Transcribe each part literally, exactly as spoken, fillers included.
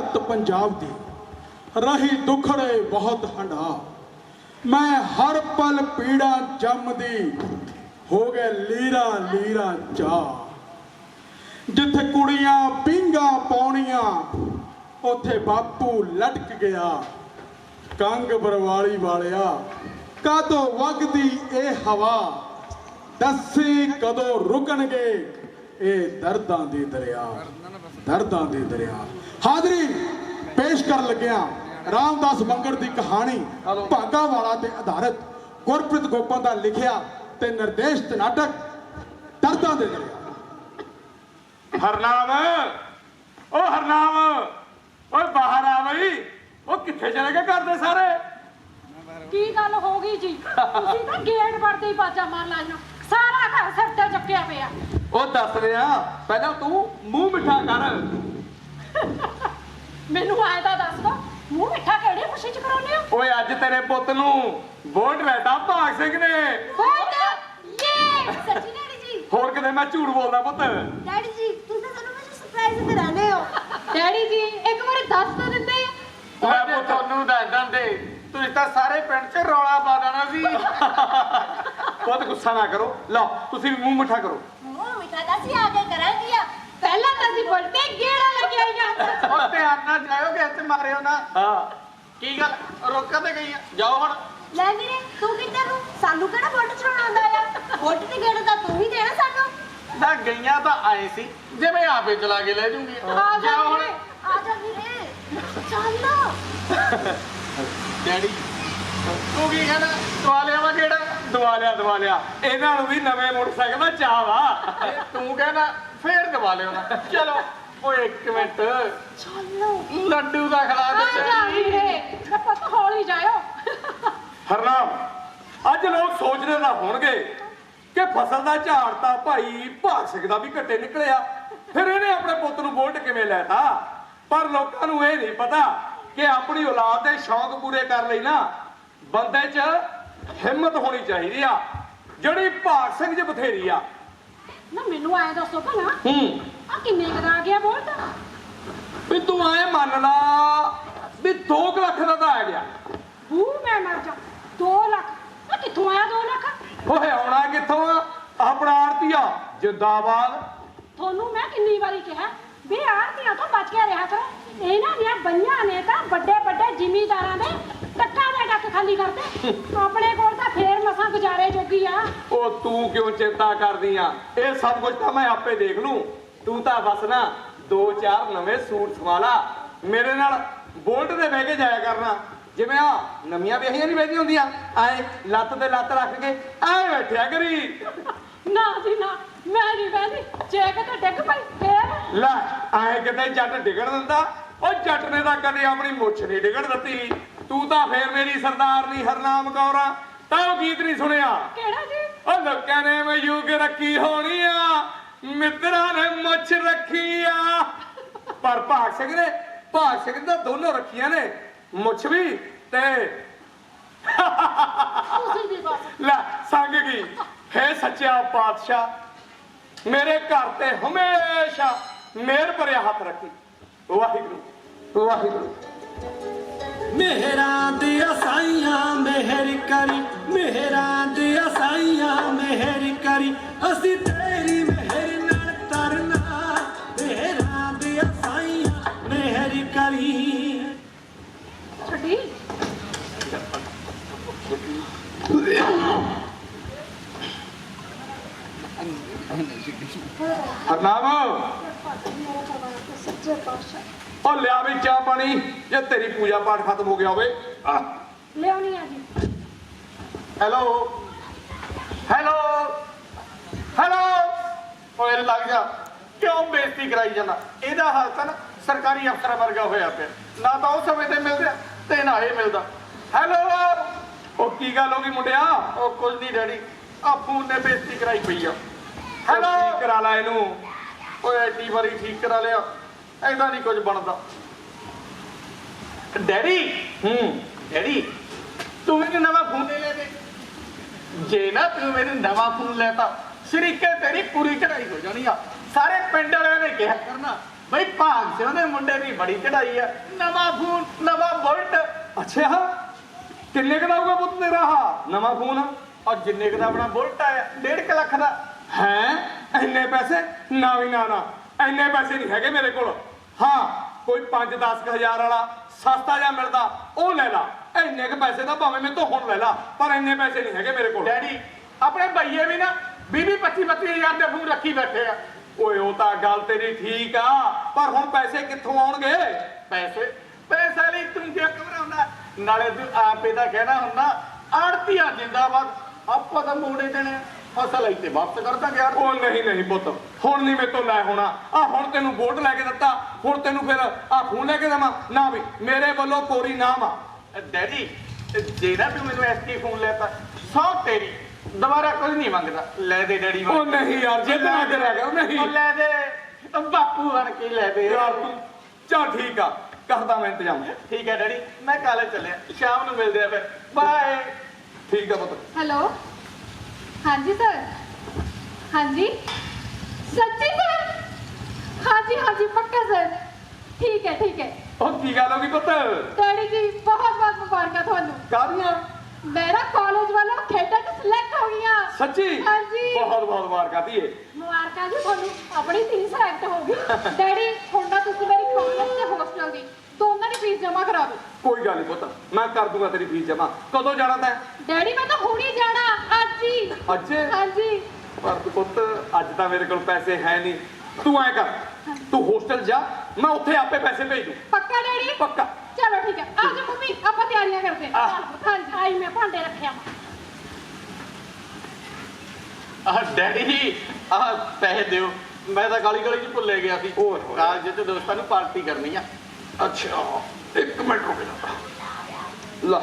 धरत पंजाब दी रही दुखड़े बहुत हंडा। मैं हर पल पीड़ा जमदी हो गए लीरा लीरा चा। जिथे कुड़ियां पींगा पाउणियां उथे बापू लटक गया। कंग बरवाली वालिया कादों वगदी ए हवा, दसी कदों रुकणगे ए दर्दां दे दरिया, दर्दां दे दरिया। हाज़री पेश कर लग्या रामदास मंगड़ की कहानी भागा वाला ते आधारित गुरप्रीत गोपन का लिखिया ते निर्देशित नाटक दर्दां दे दरिया। हरनाम ओ हरनाम ओ बाहर आ बई। ओ किथे चले गए घर दे सारे? की गल हो गई जी? तुसीं तां गेट वड़दे ही बाजा मार लाईना, सारा घर सिर ते चुक्किया पिया। ओ दस रिया पहला तू मुंह मिठा कर। मैनू आए तां दस दो मुंह मिठा किहड़ी खुशी च कराउने हो? ओए अज तेरे पुੱਤ ਨੂੰ ਵੋਟ ਲੈਤਾ ਭਾਗ ਸਿੰਘ ਨੇ। वोट ये सच्ची डैडी जी? ਹੋਰ ਕਿਤੇ ਮੈਂ ਝੂਠ ਬੋਲਦਾ ਪੁੱਤ? ਡੈਡੀ ਜੀ ਤੁਸੀਂ ਤਾਂ ਸਾਨੂੰ ਵਿੱਚ ਸਰਪ੍ਰਾਈਜ਼ ਤੇ ਰਹਿੰਦੇ ਹੋ। डैडी जी एक बार दस तो दिंदे। ਓਏ ਪੁੱਤ ਤੁਹਾਨੂੰ ਦੱਸ ਦਿੰਦੇ ਤੁਸੀਂ ਤਾਂ ਸਾਰੇ ਪਿੰਡ 'ਚ ਰੌਲਾ ਪਾ ਦੇਣਾ ਸੀ। ਪੁੱਤ ਗੁੱਸਾ ਨਾ ਕਰੋ, ਲਓ ਤੁਸੀਂ ਵੀ ਮੂੰਹ ਮਿੱਠਾ ਕਰੋ। ਮੂੰਹ ਮਿਠਾ ਤਾਂ ਅਸੀਂ ਆ ਕੇ ਕਰਾਂਗੇ ਆ। पहला तो सी बोलते गेड़ा लगे आईया। ਉਹ ਧਿਆਨ ਨਾਲ ਜਾਇਓ ਕਿ ਇੱਥੇ ਮਾਰਿਓ ਨਾ। ਹਾਂ ਕੀ ਗੱਲ ਰੋਕਾਂ ਤੇ ਗਈ ਆ? ਜਾਓ ਹੁਣ। ਲੈ ਵੀਰੇ ਤੂੰ ਕਿੱਧਰ ਨੂੰ? ਸਾਨੂੰ ਕਿਹੜਾ ਵੋਟ ਚਲਾਉਣਾ ਆਉਂਦਾ ਆ? ਵੋਟ ਤੇ ਗੇੜਾ ਤਾਂ ਤੂੰ ਹੀ ਦੇਣਾ ਸਾਨੂੰ। ਨਾ ਗਈਆਂ ਤਾਂ ਆਏ ਸੀ ਜਿਵੇਂ ਆਪੇ ਚਲਾ ਕੇ ਲੈ ਜੂਗੀ। आ जा ਜਾਓ ਹੁਣ। वीरे। ਆ ਜਾ ਵੀਰੇ ਚੱਲ। ਡੈਡੀ ਤੂੰ ਕੀ ਕਹਿੰਦਾ? ਦਵਾ ਲਿਆ ਵਾ ਕਿਹੜਾ? ਦਵਾ ਲਿਆ ਦਵਾ ਲਿਆ। ਇਹਨਾਂ ਨੂੰ ਵੀ ਨਵੇਂ ਮੋਟਰਸਾਈਕਲ ਦਾ ਚਾਹ ਵਾ। ਇਹ ਤੂੰ ਕਹਿੰਦਾ ਫੇਰ ਦਵਾ ਲਿਓ ਨਾ। ਚਲੋ ਓਏ ਇੱਕ ਮਿੰਟ ਚੱਲੋ ਲੱਡੂ ਦਾ ਖਿਲਾ आ ਦੇ। जा वीरे मैं पत हौली जायो। ਹਰਨਾਮ ਅੱਜ ਲੋਕ ਸੋਚਦੇ ਤਾਂ ਹੋਣਗੇ ਕਿ ਫਸਲ ਦਾ ਝਾੜ ਤਾਂ ਭਾਈ ਭਾਗ ਸਿੰਘ ਦਾ ਵੀ ਘੱਟੇ ਨਿਕਲਿਆ, ਫਿਰ ਇਹਨੇ ਆਪਣੇ ਪੁੱਤ ਨੂੰ ਵੋਟ ਕਿਵੇਂ ਲੈਤਾ। ਪਰ ਲੋਕਾਂ ਨੂੰ ਇਹ ਨਹੀਂ ਪਤਾ ਕਿ ਆਪਣੀ ਔਲਾਦ ਦੇ ਸ਼ੌਂਕ ਪੂਰੇ ਕਰਨ ਲਈ ਨਾ ਬੰਦੇ 'ਚ ਹਿੰਮਤ ਹੋਣੀ ਚਾਹੀਦੀ ਆ, ਜਿਹੜੀ ਭਾਗ ਸਿੰਘ 'ਚ ਬਥੇਰੀ ਆ। ना मैनू आए दसो भला ਹੂੰ आ किन्ने दा आ गया वोट? ਵੀ ਤੂੰ ਐ ਮੰਨ ਲਾ ਵੀ ਦੋ ਕੁ ਲੱਖ ਦਾ ਤਾਂ ਆ ਗਿਆ। बू मैं मर जा। दो लाख आ कित्थों आया दो लाख? ਓਏ ਆਉਣਾ ਕਿੱਥੋਂ ਆ? ਆਪਣਾ ਆੜਤੀਆ ਜਿੰਦਾਬਾਦ। ਤੁਹਾਨੂੰ ਮੈਂ ਕਿੰਨੀ ਵਾਰੀ ਕਿਹਾ ਵੀ ਆੜਤੀਆਂ ਤੋਂ ਬਚ ਕੇ ਰਿਹਾ ਕਰੋ। ਇਹਨਾਂ ਦੀਆਂ ਬੰਨ੍ਹਾਂ ਨੇ ਤਾਂ ਵੱਡੇ ਵੱਡੇ ਜ਼ਿਮੀਂਦਾਰਾਂ ਦੇ ਟੱਕਾਂ ਦੇ ਟੱਕ ਖਾਲੀ ਕਰਦੇ। ਆਪਣੇ ਕੋਲ ਤਾਂ ਫੇਰ ਮਸਾਂ ਗੁਜ਼ਾਰੇ ਜੋਗੀ ਆ। ਉਹ ਤੂੰ ਕਿਉਂ ਚਿੰਤਾ ਕਰਦੀ ਆ? ਇਹ ਸਭ ਕੁਝ ਤਾਂ ਮੈਂ ਆਪੇ ਦੇਖ ਲੂੰ। ਤੂੰ ਤਾਂ ਬਸ ਨਾ ਦੋ ਚਾਰ ਨਵੇਂ ਸੂਟ ਸਵਾਲਾ, ਮੇਰੇ ਨਾਲ ਬੋਲਟ ਤੇ ਬਹਿ ਕੇ ਜਾਇਆ ਕਰਨਾ। ਜਿਵੇਂ ਆ ਨਵੀਆਂ ਵਿਆਹੀਆਂ ਨਹੀਂ ਬਹਿਦੀਆਂ ਹੁੰਦੀਆਂ ਐ ਲੱਤ ਤੇ ਲੱਤ ਰੱਖ ਕੇ ਐ ਬੈਠਿਆ ਕਰੀ। ਨਾ ਜੀ ਨਾ ਮੈਂ ਨਹੀਂ ਬਹਿੰਦੀ। ਜੇ ਕਿਤੇ ਡਿੱਗ ਪਈ ਫੇਰ? ਲੈ ਐ ਕਿਤੇ ਜੱਟ ਡਿਗਣ ਦਿੰਦਾ? ਉਹ ਜੱਟ ਨੇ ਤਾਂ ਕਦੇ ਆਪਣੀ ਮੁੱਛ ਨਹੀਂ ਡਿਗਣ ਦਿੱਤੀ। ਤੂੰ ਤਾਂ ਫੇਰ ਮੇਰੀ ਸਰਦਾਰਨੀ ਹਰਨਾਮ ਕੌਰ ਆ। ਤਾਂ ਉਹ ਗੀਤ ਨਹੀਂ ਸੁਣਿਆ? ਕਿਹੜਾ ਜੀ? ਉਹ ਲੋਕਾਂ ਨੇ ਮਯੂਗ ਰੱਖੀ ਹੋਣੀ ਆ, ਮਿੱਤਰਾਂ ਨੇ ਮੁੱਛ ਰੱਖੀ ਆ। ਪਰ ਭਾਗ ਸਿੰਘ ਨੇ ਭਾਗ ਸਿੰਘ ਤਾਂ ਦੋਨੋਂ ਰੱਖੀਆਂ ਨੇ, ਮੁੱਛ ਵੀ ਤੇ ਤੁਸੀਂ ਵੀ ਬਸ। ਲੈ ਸੰਗ ਗਈ ਹੈ ਸੱਚਾ ਪਾਤਸ਼ਾਹ ਮੇਰੇ ਘਰ ਤੇ ਹਮੇਸ਼ਾ ਮਿਹਰ ਭਰਿਆ ਹੱਥ ਰੱਖੀ। ਵਾਹਿਗੁਰੂ ਵਾਹਿਗੁਰੂ। मेहरां दिया साइयां मेहर करी, मेहरां दिया साइयां मेहर करी, असी तेरी मेहर नाल तरना, मेहरां दिया साइयां मेहर करी। ਛੱਡੀ ਹਰਨਾਮ ਸੱਚੇ ਪਾਤਸ਼ਾਹ ਉਹ ਲਿਆ ਵੀ ਚਾਹ ਪਾਣੀ ਜੇ ਤੇਰੀ ਪੂਜਾ ਪਾਠ ਖਤਮ ਹੋ ਗਿਆ ਹੋਵੇ। ਲਿਆਉਣੀ ਆ ਜੀ। Hello hello hello. ਓਏ ਲੱਗ ਜਾ, ਕਿਉਂ ਬੇਇੱਜ਼ਤੀ ਕਰਾਈ ਜਾਂਦਾ? ਇਹਦਾ ਹਾਲ ਤਾਂ ਨਾ ਸਰਕਾਰੀ ਅਫਸਰਾਂ ਵਰਗਾ ਹੋਇਆ ਪਿਆ, ਨਾ ਤਾਂ ਉਹ ਸਮੇਂ ਤੇ ਮਿਲਦਾ ਤੇ ਨਾ ਇਹ ਮਿਲਦਾ। ਹੈਲੋ ਉਹ ਕੀ ਗੱਲ ਹੋ ਗਈ ਮੁੰਡਿਆ? ਉਹ ਕੁਝ ਨਹੀਂ ਡੈਡੀ, ਆ ਫੋਨ ਨੇ ਬੇਇੱਜ਼ਤੀ ਕਰਾਈ ਪਈ ਆ। ਹੈਲੋ ਕਰਾ ਲਾ ਇਹਨੂੰ। ਓਏ ਐਡੀ ਵਾਰੀ ਠੀਕ ਕਰਾ ਲਿਆ, ਐਦਾਂ ਨਹੀਂ ਕੁਝ ਬਣਦਾ। ਡੈਡੀ ਹੂੰ ਡੈਡੀ ਤੂੰ ਮੈਨੂੰ ਨਵਾਂ ਫੋਨ ਲੈ ਲੈ ਦੇ। ਜੇ ਨਾ ਤੂੰ ਮੈਨੂੰ ਨਵਾਂ ਫੋਨ ਲੈਤਾ ਸ਼ਰੀਕੇ ਤੇਰੀ ਪੂਰੀ ਚੜਾਈ ਹੋ ਜਾਣੀ ਆ। ਸਾਰੇ ਪਿੰਡ ਵਾਲਿਆਂ ਨੇ ਕਿਹਾ ਕਰਨਾ ਬਈ ਭਾਗ ਸਿੰਘ ਦੇ ਮੁੰਡੇ ਦੀ ਬੜੀ ਚੜਾਈ ਆ, ਨਵਾਂ ਫੋਨ ਨਵਾਂ ਬੁਲਟ। ਅੱਛਾ ਕਿੰਨੇ ਕੁ ਦਾ ਹੋਊਗਾ ਪੁੱਤ ਤੇਰਾ ਆਹ ਨਵਾਂ ਫੋਨ? ਔਰ ਜਿੰਨੇ ਕੁ ਦਾ ਆਪਣਾ ਬੁਲਟ ਆਇਆ ਡੇਢ ਕੁ ਲੱਖ ਦਾ। ਹੈ ਇੰਨੇ ਪੈਸੇ? ਨਾ ਵੀ ਨਾ ਨਾ ਇੰਨੇ ਪੈਸੇ ਨਹੀਂ ਹੈਗੇ ਮੇਰੇ ਕੋਲ। ਹਾਂ ਕੋਈ ਪੰਜ ਦਸ ਕੁ ਹਜ਼ਾਰ ਵਾਲਾ ਸਸਤਾ ਜਿਹਾ ਮਿਲਦਾ ਉਹ ਲੈ ਲਾ। ਇੰਨੇ ਕੁ ਪੈਸੇ ਤਾਂ ਭਾਵੇਂ ਮੇਰੇ ਤੋਂ ਹੁਣ ਲੈ ਲਾ, ਪਰ ਇੰਨੇ ਪੈਸੇ ਨਹੀਂ ਹੈਗੇ ਮੇਰੇ ਕੋਲ। ਡੈਡੀ ਆਪਣੇ ਭਈਏ ਵੀ ਨਾ ਵੀਹ ਵੀਹ ਪੱਚੀ ਪੱਚੀ ਹਜ਼ਾਰ ਦੇ ਫੋਨ ਰੱਖੀ ਬੈਠੇ ਆ। ਓਏ ਉਹ ਤਾਂ ਗੱਲ ਤੇਰੀ ਠੀਕ ਆ, ਪਰ ਹੁਣ ਪੈਸੇ ਕਿੱਥੋਂ ਆਉਣਗੇ? ਪੈਸੇ ਪੈਸੇ ਲਈ ਤੂੰ ਕਿਉਂ ਘਬਰਾਉਂਦਾ? ਨਾਲੇ ਤੂੰ ਆਪੇ ਦਾ ਕਹਿਣਾ ਹੁੰਦਾ ਆੜਤੀਆ ਜਿੰਦਾਬਾਦ, ਆਪਾਂ ਤਾਂ ਮੋੜੇ ਦੇਣੇ ਆ, ਫਸਲ ਇੱਥੇ ਵਾਪਸ ਕਰ ਦਾਂਗੇ ਯਾਰ। ਉਹ ਨਹੀਂ ਨਹੀਂ ਪੁੱਤ ਹੁਣ ਨਹੀਂ ਮੇਰੇ ਤੋਂ ਲੈ ਹੋਣਾ। ਆ ਹੁਣ ਤੈਨੂੰ ਵੋਟ ਲੈ ਕੇ ਦਿੱਤਾ, ਹੁਣ ਤੈਨੂੰ ਫਿਰ ਆ ਫੋਨ ਲੈ ਕੇ ਦੇਵਾਂ? ਨਾ ਵੀ ਮੇਰੇ ਵੱਲੋਂ ਕੋਰੀ ਨਾਮ ਆ। ਡੈਡੀ ਜਿਹੜਾ ਤੂੰ ਮੈਨੂੰ ਐਸਟੀ ਫੋਨ ਲੈਤਾ ਸੌ ਤੇਰੀ, ਦੁਬਾਰਾ ਕੁਝ ਨਹੀਂ ਮੰਗਦਾ। ਲੈ ਦੇ ਡੈਡੀ। ਉਹ ਨਹੀਂ ਯਾਰ ਜਿੱਦ ਨਾ ਕਰਿਆ ਕਰ। ਨਹੀਂ ਉਹ ਲੈ ਦੇ, ਉਹ ਬਾਪੂ ਬਣ ਕੇ ਲੈ ਦੇ ਯਾਰ ਤੂੰ ਚੱਲ ਠੀਕ ਆ, ਕਰਦਾ ਮੈਂ ਇੰਤਜ਼ਾਮ। ਠੀਕ ਹੈ ਡੈਡੀ, ਮੈਂ ਕਾਲਜ ਚੱਲਿਆ, ਸ਼ਾਮ ਨੂੰ ਮਿਲਦੇ ਆ ਫਿਰ। ਬਾਏ। ਠੀਕ ਆ ਪੁੱਤ। ਹੈਲੋ ਹਾਂਜੀ ਸਰ, ਹਾਂਜੀ ਸੱਚੀ ਸਰ? ਹਾਂਜੀ ਹਾਂਜੀ ਪੱਕਾ ਸਰ, ਠੀਕ ਹੈ ਠੀਕ ਹੈ। ਉਹ ਕੀ ਗੱਲ ਹੋ ਗਈ ਪੁੱਤ? ਡੈਡੀ ਜੀ ਬਹੁਤ ਬਹੁਤ ਮੁਬਾਰਕਾਂ ਤੁਹਾਨੂੰ। ਕਾਹਦੀਆਂ? ਮੇਰਾ ਕਾਲਜ ਵੱਲੋਂ ਖੇਡਾਂ 'ਚ ਸਿਲੈਕਟ ਹੋ ਗਈਆਂ। ਸੱਚੀ? ਹਾਂਜੀ ਬਹੁਤ ਬਹੁਤ ਮੁਬਾਰਕਾਂ ਧੀਏ। ਮੁਬਾਰਕਾਂ ਜੀ ਤੁਹਾਨੂੰ, ਆਪਣੀ ਧੀ ਸਿਲੈਕਟ ਹੋ ਗਈ। ਡੈਡੀ ਹੁਣ ਤਾਂ ਤੁਸੀਂ ਮੇਰੀ ਕਾਲਜ ਤੇ ਹੋਸਟਲ ਦੀ ਦੋਨਾਂ ਦੀ ਫੀਸ ਜਮ੍ਹਾਂ ਕਰਾ ਦਿਓ। ਕੋਈ ਗੱਲ ਨਹੀਂ ਪੁੱਤ, ਮੈਂ ਕਰ ਦੂੰਗਾ ਤੇਰੀ ਫੀਸ ਜਮਾ। ਕਦੋਂ ਜਾਣਾ ਤੈਂ? ਡੈਡੀ ਮੈਂ ਤਾਂ ਹੁਣੀ ਜਾਣਾ, ਅੱਜ ਹੀ। ਅੱਜ? ਹਾਂਜੀ। ਪਰ ਪੁੱਤ ਅੱਜ ਤਾਂ ਮੇਰੇ ਕੋਲ ਪੈਸੇ ਹੈ ਨਹੀਂ। ਤੂੰ ਐ ਕਰ, ਤੂੰ ਹੋਸਟਲ ਜਾ, ਮੈਂ ਉੱਥੇ ਆਪੇ ਪੈਸੇ ਭੇਜ ਦੂੰ। ਪੱਕਾ ਡੈਡੀ? ਪੱਕਾ। ਚਲੋ ਠੀਕ ਹੈ, ਆ ਜਾਓ ਮੰਮੀ ਆਪਾਂ ਤਿਆਰੀਆਂ ਕਰਦੇ ਹਾਂ। ਹਾਂਜੀ ਆਈ ਮੈਂ ਭਾਂਡੇ ਰੱਖਿਆ। ਆਹ ਡੈਡੀ ਆਹ ਪੈਸੇ ਦਿਓ, ਮੈਂ ਤਾਂ ਗਾਲੀ ਗਾਲੀ ਚ ਭੁੱਲੇ ਗਿਆ ਸੀ। ਓਏ ਹੋਏ। ਕਾਲਜ ਚ ਦੋਸਤਾਂ ਨੂੰ ਪਾਰਟੀ ਕਰਨੀ ਆ। ਅੱਛਾ ਇੱਕ ਮਿੰਟ ਰੁਕ ਜਾ। ਲਾ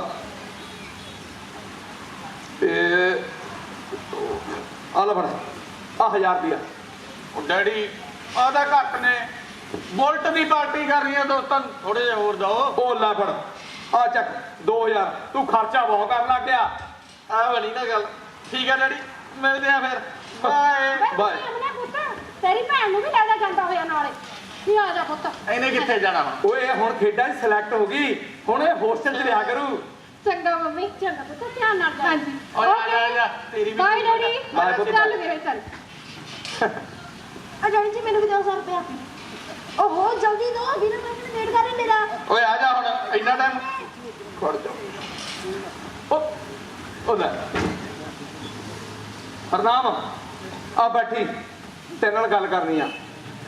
ਤੇ ਆ ਲੈ ਫੜ ਆ ਹਜ਼ਾਰ ਰੁਪਇਆ। ਉਹ ਡੈਡੀ ਆਹ ਤਾਂ ਘੱਟ ਨੇ, ਬੁਲਟ ਦੀ ਪਾਰਟੀ ਕਰਨੀ ਆ ਦੋਸਤਾਂ ਨੂੰ, ਥੋੜੇ ਜਿਹਾ ਹੋਰ ਦਿਓ। ਉਹ ਲੈ ਫੜ ਆ ਚੱਕ ਦੋ ਹਜ਼ਾਰ। ਤੂੰ ਖਰਚਾ ਬਹੁਤ ਕਰਨ ਲੱਗ ਗਿਆ। ਆਹ ਬਣੀ ਨਾ ਗੱਲ। ਠੀਕ ਹੈ ਡੈਡੀ, ਮਿਲਦੇ ਆ ਫਿਰ। ਬਾਏ। ਬਾਏ। ਆਪਣੇ ਪੁੱਤ ਤੇਰੀ ਭੈਣ ਨੂੰ ਵੀ ਲੈ ਜਾ ਜਾਂਦਾ ਹੋਇਆ ਨਾਲੇ। ਨਹੀਂ ਆ ਜਾ ਪੁੱਤ। ਇਹਨੇ ਕਿੱਥੇ ਜਾਣਾ ਹੁਣ? ਓਏ ਹੁਣ ਖੇਡਾਂ 'ਚ ਸਿਲੈਕਟ ਹੋ ਗਈ, ਹੁਣ ਇਹ ਹੋਸਟਲ 'ਚ ਰਿਹਾ ਕਰੂ। ਚੰਗਾ ਮੰਮੀ। ਚੰਗਾ ਪੁੱਤ ਧਿਆਨ ਨਾਲ ਜਾ। ਹਾਂਜੀ ਓਏ ਆ ਜਾ ਆ ਜਾ, ਤੇਰੀ ਵੀ ਬਾਏ ਡੈਡੀ। ਬਾਏ ਪੁੱਤ। ਚੱਲ ਮੇਰੇ ਚੱਲ। ਆ ਡੈਡੀ ਜੀ ਮੈਨੂੰ ਵੀ ਦਿਓ ਸੌ ਰੁਪਇਆ। ਓਹੋ ਜਲਦੀ ਦਿਓ, ਵੀਰੇ ਮੈਂ ਵੇਟ ਕਰ ਰਿਹਾ ਮੇਰਾ। ਓਏ ਆ ਜਾ ਹੁਣ, ਇੰਨਾ ਟਾਈਮ ਖੜ ਜਾ। ਉਹ ਉਹ ਲੈ ਹਰਨਾਮ ਆ ਬੈਠੀ, ਤੇਰੇ ਨਾਲ ਗੱਲ ਕਰਨੀ ਆ।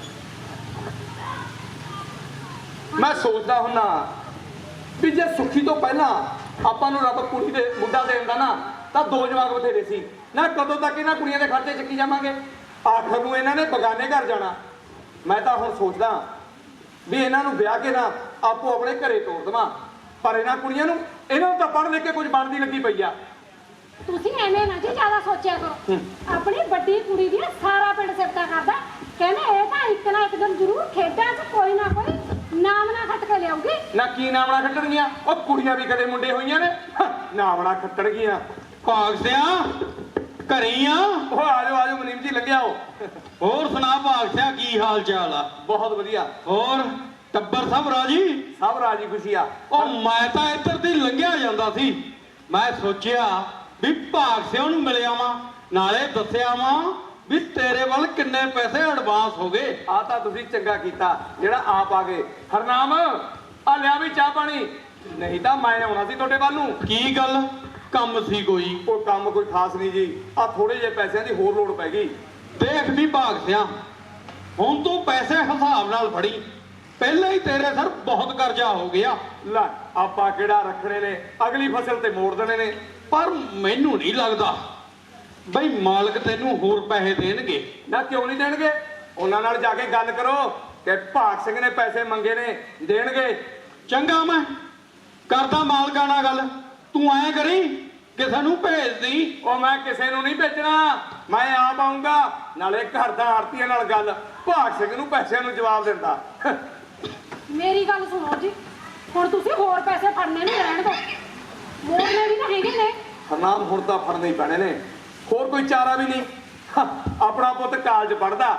ਮੈਂ ਸੋਚਦਾ ਹੁੰਨਾ ਵੀ ਜੇ ਸੁੱਖੀ ਤੋਂ ਪਹਿਲਾਂ ਆਪਾਂ ਨੂੰ ਰੱਬ ਕੁੜੀ ਦੇ ਮੁੰਡਾ ਦੇ ਦਿੰਦਾ ਨਾ ਤਾਂ ਦੋ ਜਵਾਕ ਬਥੇਰੇ ਸੀ ਨਾ। ਕਦੋਂ ਤੱਕ ਇਹਨਾਂ ਕੁੜੀਆਂ ਦੇ ਖਰਚੇ ਚੱਕੀ ਜਾਵਾਂਗੇ? ਆਖਰ ਨੂੰ ਇਹਨਾਂ ਨੇ ਬਗਾਨੇ ਘਰ ਜਾਣਾ। ਮੈਂ ਤਾਂ ਹੁਣ ਸੋਚਦਾ ਵੀ ਇਹਨਾਂ ਨੂੰ ਵਿਆਹ ਕੇ ਨਾ ਆਪੋ ਆਪਣੇ ਘਰੇ ਤੋਰ ਦੇਵਾਂ, ਪਰ ਇਹਨਾਂ ਕੁੜੀਆਂ ਨੂੰ ਇਹਨਾਂ ਨੂੰ ਤਾਂ ਪੜ੍ਹ ਲਿਖ ਕੇ ਕੁਝ ਬਣਦੀ ਲੱਗੀ ਪਈ ਆ। ਤੁਸੀਂ ਐਵੇਂ ਨਾ ਜੀ ਜ਼ਿਆਦਾ ਸੋਚਿਆ ਕਰੋ। ਆਪਣੀ ਵੱਡੀ ਕੁੜੀ ਦੀ ਸਾਰਾ ਪਿੰਡ ਸਿਫਤਾਂ ਕਰਦਾ, ਕਹਿੰਦੇ ਇਹ ਤਾਂ ਇੱਕ ਨਾ ਇੱਕ ਦਿਨ ਜ਼ਰੂਰ ਖੇਡਾਂ 'ਚ ਕੋਈ ਨਾ ਕੋਈ ਨਾਮ ਨਾ ਖੱਟ ਕੇ ਲਿਆਉਗੀ। ਨਾ ਕੀ ਨਾਮਣਾ ਖੱਟਣਗੀਆਂ? ਉਹ ਕੁੜੀਆਂ ਵੀ ਕਦੇ ਮੁੰਡੇ ਹੋਈਆਂ ਨੇ, ਨਾਮਣਾ ਖੱਟਣਗੀਆਂ। ਭਾਗ ਸਿਆ ਘਰੇ ਹੀ ਆ? ਉਹ ਆਜੋ ਆਜੋ ਮਨੀਮ ਜੀ ਲੰਘਿਆ ਹੋ। ਹੋਰ ਸੁਣਾ ਭਾਗ ਸਿਆ, ਕੀ ਹਾਲ ਚਾਲ ਆ? ਬਹੁਤ ਵਧੀਆ। ਹੋਰ ਟੱਬਰ ਸਭ ਰਾਜੀ? ਸਭ ਰਾਜੀ ਖੁਸ਼ੀ ਆ। ਉਹ ਮੈਂ ਤਾਂ ਇੱਧਰ ਦੀ ਲੰਘਿਆ ਜਾਂਦਾ ਸੀ, ਮੈਂ ਸੋਚਿਆ ਵੀ ਭਾਗ ਸਿਆ ਨੂੰ ਮਿਲਿਆ ਵਾਂ, ਨਾਲੇ ਦੱਸਿਆ ਵਾਂ ਵੀ ਤੇਰੇ ਵੱਲ ਕਿੰਨੇ ਪੈਸੇ ਐਡਵਾਂਸ ਹੋ ਗਏ। ਆ ਤਾਂ ਤੁਸੀਂ ਚੰਗਾ ਕੀਤਾ ਜਿਹੜਾ ਆਪ ਆ ਗਏ। ਹਰਨਾਮ ਆ ਲਿਆ ਵੀ ਚਾਹ ਪਾਣੀ, ਨਹੀਂ ਤਾਂ ਮੈਂ ਆਉਣਾ ਸੀ ਤੁਹਾਡੇ ਵੱਲ ਨੂੰ। ਕੀ ਗੱਲ, ਕੰਮ ਸੀ ਕੋਈ? ਕੋਈ ਕੰਮ ਕੋਈ ਖਾਸ ਨਹੀਂ ਜੀ, ਆ ਥੋੜੇ ਜਿਹੇ ਪੈਸਿਆਂ ਦੀ ਹੋਰ ਲੋੜ ਪੈ ਗਈ। ਦੇਖ ਵੀ ਭਾਗ ਸਿਆ, ਹੁਣ ਤੂੰ ਪੈਸੇ ਹਿਸਾਬ ਨਾਲ ਫੜੀ, ਪਹਿਲਾਂ ਹੀ ਤੇਰੇ ਸਰ ਬਹੁਤ ਕਰਜ਼ਾ ਹੋ ਗਿਆ। ਲੈ ਆਪਾਂ ਕਿਹੜਾ ਰੱਖਣੇ ਨੇ, ਅਗਲੀ ਫਸਲ ਤੇ ਮੋੜ ਦੇਣੇ ਨੇ। ਪਰ ਮੈਨੂੰ ਨਹੀਂ ਲੱਗਦਾ ਬਈ ਮਾਲਕ ਤੈਨੂੰ ਹੋਰ ਪੈਸੇ ਦੇਣਗੇ। ਨਾ ਕਿਉਂ ਨਹੀਂ ਦੇਣਗੇ? ਉਹਨਾਂ ਨਾਲ ਜਾ ਕੇ ਗੱਲ ਕਰੋ ਕਿ ਭਾਗ ਸਿੰਘ ਨੇ ਪੈਸੇ ਮੰਗੇ ਨੇ, ਦੇਣਗੇ। ਚੰਗਾ ਮੈਂ ਕਰਦਾ ਮਾਲਕਾਂ ਨਾਲ ਗੱਲ, ਤੂੰ ਐਂ ਕਰੀ ਕਿਸੇ ਨੂੰ ਭੇਜ ਦੀ। ਉਹ ਮੈਂ ਕਿਸੇ ਨੂੰ ਨਹੀਂ ਭੇਜਣਾ, ਮੈਂ ਆਪ ਆਉਂਗਾ, ਨਾਲੇ ਘਰ ਦਾ ਆੜਤੀਆਂ ਨਾਲ ਗੱਲ, ਭਾਗ ਸਿੰਘ ਨੂੰ ਪੈਸਿਆਂ ਨੂੰ ਜਵਾਬ ਦਿੰਦਾ। ਮੇਰੀ ਗੱਲ ਸੁਣੋ ਜੀ, ਹੁਣ ਤੁਸੀਂ ਹੋਰ ਪੈਸੇ ਫੜਨੇ ਨਹੀਂ ਰਹਿਣ ਦੋ, ਮੋੜਨੇ ਵੀ ਤਾਂ ਹੈਗੇ ਨੇ। ਹਰਨਾਮ ਹੁਣ ਤਾਂ ਫੜਨੇ ਹੀ ਪੈਣੇ ਨੇ, ਹੋਰ ਕੋਈ ਚਾਰਾ ਵੀ ਨਹੀਂ। ਆਪਣਾ ਪੁੱਤ ਕਾਲਜ ਪੜਦਾ,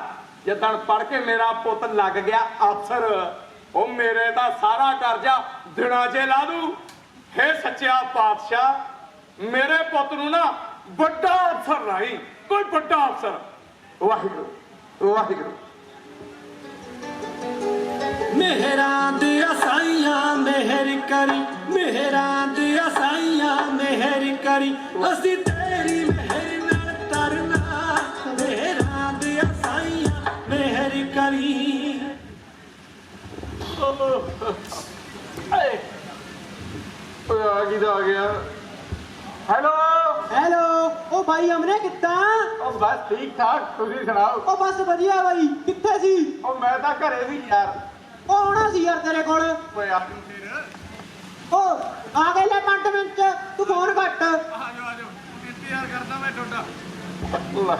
ਜਿੱਦਣ ਪੜ ਕੇ ਮੇਰਾ ਪੁੱਤ ਲੱਗ ਗਿਆ ਅਫਸਰ, ਉਹ ਮੇਰੇ ਦਾ ਸਾਰਾ ਕਰਜ਼ਾ ਦਿਨਾਂ 'ਚ ਲਾ ਦੂ। ਹੇ ਸੱਚਿਆ ਪਾਤਸ਼ਾਹ, ਮੇਰੇ ਪੁੱਤ ਨੂੰ ਨਾ ਵੱਡਾ ਅਫਸਰ ਰਾਹੀਂ, ਕੋਈ ਵੱਡਾ ਅਫਸਰ। ਵਾਹਿਗੁਰੂ ਵਾਹਿਗੁਰੂ। ਮਿਹਰਾਂ ਦੀਆਂ ਸਾਈਆਂ ਮਿਹਰ ਕਰੀ, ਮਿਹਰਾਂ ਦੀਆਂ ਸਾਈਆਂ ਮਿਹਰ ਕਰੀ, ਅਸੀਂ ਤੇਰੀ ਮਿਹਰ ਨਾਲ ਤਰਨਾ, ਮਿਹਰਾਂ ਦੀਆਂ ਸਾਈਆਂ ਮਿਹਰ ਕਰੀ। ਏ ਓਏ ਆ ਕੀ ਦਾ ਆ ਗਿਆ। ਹੈਲੋ ਹੈਲੋ, ਉਹ ਭਾਈ ਅਮਨੇ ਕਿੱਦਾਂ? ਉਹ ਬਸ ਠੀਕ ਠਾਕ, ਤੁਸੀਂ ਸੁਣਾਓ। ਉਹ ਬਸ ਵਧੀਆ ਬਾਈ, ਕਿੱਥੇ ਸੀ? ਉਹ ਮੈਂ ਤਾਂ ਘਰੇ ਸੀ ਯਾਰ। ਉਹ ਆਉਣਾ ਸੀ ਯਾਰ ਤੇਰੇ ਕੋਲ। ਓਏ ਆ ਫਿਰ ਉਹ ਆ ਗਏ ਲੈ ਪੰਜ ਮਿੰਟ ਚ, ਤੂੰ ਫੋਨ ਕੱਟ। ਆਜੋ ਆਜੋ, ਇੰਤਜ਼ਾਰ ਕਰਦਾ ਮੈਂ ਤੁਹਾਡਾ।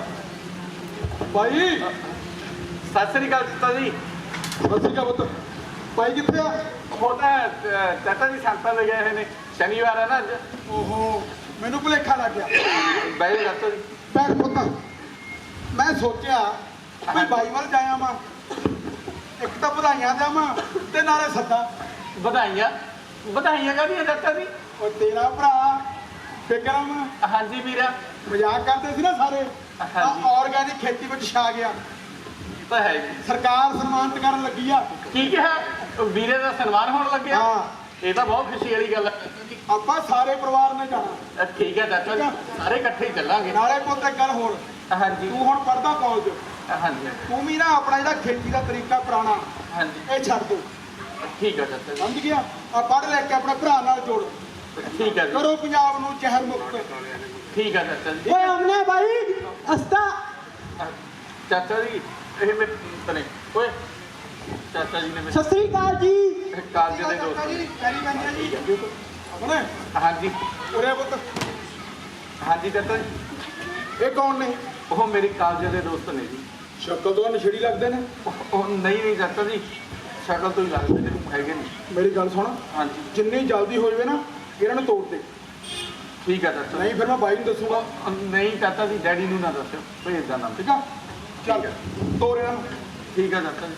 ਭਾਈ ਸਤਿ ਸ੍ਰੀ ਅਕਾਲ ਚਾਚਾ ਜੀ। ਸਤਿ ਕਾ ਪੁੱਤ। ਭਾਈ ਕਿੱਥੇ ਆ? ਉਹ ਤਾਂ ਅਹ, ਚਾਚਾ ਜੀ ਸੰਤਾਂ ਦੇ ਗਏ ਹੋਏ ਨੇ, ਸ਼ਨੀਵਾਰ ਹੈ ਨਾ ਅੱਜ। ਓਹੋ, ਮੈਨੂੰ ਭੁਲੇਖਾ ਲੱਗ ਗਿਆ। ਬਹਿ ਜਾਓ ਚਾਚਾ ਜੀ। ਬੈਠ ਪੁੱਤ। ਮੈਂ ਸੋਚਿਆ ਵੀ ਬਾਈ ਵੱਲ ਜਾਇਆ ਮੈਂ, ਇੱਕ ਤਾਂ ਵਧਾਈਆਂ ਦੇਵਾਂ ਤੇ ਨਾਲੇ ਸੱਦਾ। ਵਧਾਈਆਂ ਵਧਾਈਆਂ ਕਾਹਦੀਆਂ ਚਾਚਾ ਜੀ? ਉਹ ਤੇਰਾ ਭਰਾ ਵਿਕਰਮ ਹਾਂਜੀ ਵੀਰਾ। ਮਜ਼ਾਕ ਕਰਦੇ ਸੀ ਨਾ ਸਾਰੇ, ਹਾਂਜੀ। ਆਰਗੈਨਿਕ ਖੇਤੀ ਵਿੱਚ ਛਾ ਗਿਆ। ਤਾਂ ਹੈ ਜੀ। ਸਰਕਾਰ ਸਨਮਾਨਿਤ ਕਰਨ ਲੱਗੀ ਆ। ਕੀ ਕਿਹਾ? ਵੀਰੇ ਦਾ ਸਨਮਾਨ ਹੋਣ ਲੱਗਿਆ? ਹਾਂ। ਇਹ ਤਾਂ ਬਹੁਤ ਖੁਸ਼ੀ ਵਾਲੀ ਗੱਲ ਹੈ। ਆਪਾਂ ਸਾਰੇ ਪਰਿਵਾਰ ਨੇ ਜਾਣਾ। ਅ, ਠੀਕ ਹੈ ਚਾਚਾ ਜੀ, ਸਾਰੇ ਇਕੱਠੇ ਹੀ ਚੱਲਾਂਗੇ। ਨਾਲੇ ਪੁੱਤ ਇੱਕ ਗੱਲ ਹੋਰ, ਹਾਂਜੀ ਤੂੰ ਹੁਣ ਪੜਦਾ ਕਾਲਜ, ਹਾਂਜੀ ਤੂੰ ਵੀ ਨਾ ਆਪਣਾ ਜਿਹੜਾ ਖੇਤੀ ਦਾ ਤਰੀਕਾ ਪੁਰਾਣਾ ਹਾਂਜੀ ਇਹ ਛੱਡ ਦੋ। ਠੀਕ ਹੈ ਚਾਚਾ ਜੀ। ਸਮਝ ਗਿਆ? ਆ ਪੜ੍ਹ ਲੈ ਕੇ ਆਪਣੇ ਭਰਾ ਨਾਲ ਜੋੜ, ਠੀਕ ਹੈ ਜੀ। ਕਰੋ ਪੰਜਾਬ ਨੂੰ ਜ਼ਹਿਰ ਮੁਕਤ। ਠੀਕ ਹੈ ਚਾਚਾ ਜੀ। ਓਏ ਅਮਨੇ ਬਾਈ ਅਸਤਾ। ਅ, ਚਾਚਾ ਜੀ ਇਹ ਮੈਂ ਤਨੇ ਓਏ ਚਾਚਾ ਜੀ ਨੇ ਮੈਨੂੰ ਸਤਿ ਸ੍ਰੀ ਅਕਾਲ ਜੀ। ਕਾਲਜ ਦੇ ਦੋਸਤ ਜੀ ਨੇ। ਕਰੀ ਬੰਦਿਆ ਜੀ ਆਪਣੇ ਹਾਂਜੀ ਉਰੇ ਪੁੱਤ। ਹਾਂਜੀ ਚਾਚਾ ਜੀ। ਇਹ ਕੌਣ ਨੇ? ਉਹ ਮੇਰੇ ਕਾਲਜ ਦੇ ਦੋਸਤ ਨੇ ਜੀ। ਸ਼ਕਲ ਤੋਂ ਨਸ਼ੇੜੀ ਲੱਗਦੇ ਨੇ। ਉਹ- ਉਹ ਨਹੀਂ ਨਹੀਂ ਚਾਚਾ ਜੀ, ਸ਼ਕਲ ਤੋਂ ਹੀ ਲੱਗਦੇ ਨੇ, ਹੈਗੇ ਨਹੀਂ। ਮੇਰੀ ਗੱਲ ਸੁਣ, ਹਾਂਜੀ ਜਿੰਨੀ ਜਲਦੀ ਹੋ ਜਾਵੇ ਨਾ ਇਹਨਾਂ ਨੂੰ ਤੋੜ ਦੇ, ਠੀਕ ਹੈ ਚਾਚਾ ਜੀ। ਨਹੀਂ ਫਿਰ ਮੈਂ ਬਾਈ ਨੂੰ ਦੱਸੂਗਾ। ਅ, ਨਹੀਂ ਚਾਚਾ ਜੀ, ਡੈਡੀ ਨੂੰ ਨਾ ਦੱਸਿਓ, ਭੇਜ ਦਾ ਨਾਮ। ਠੀਕ ਆ? ਚੱਲ ਤੋੜ ਇਹਨਾਂ ਨੂੰ। ਠੀਕ ਹੈ ਚਾਚਾ ਜੀ।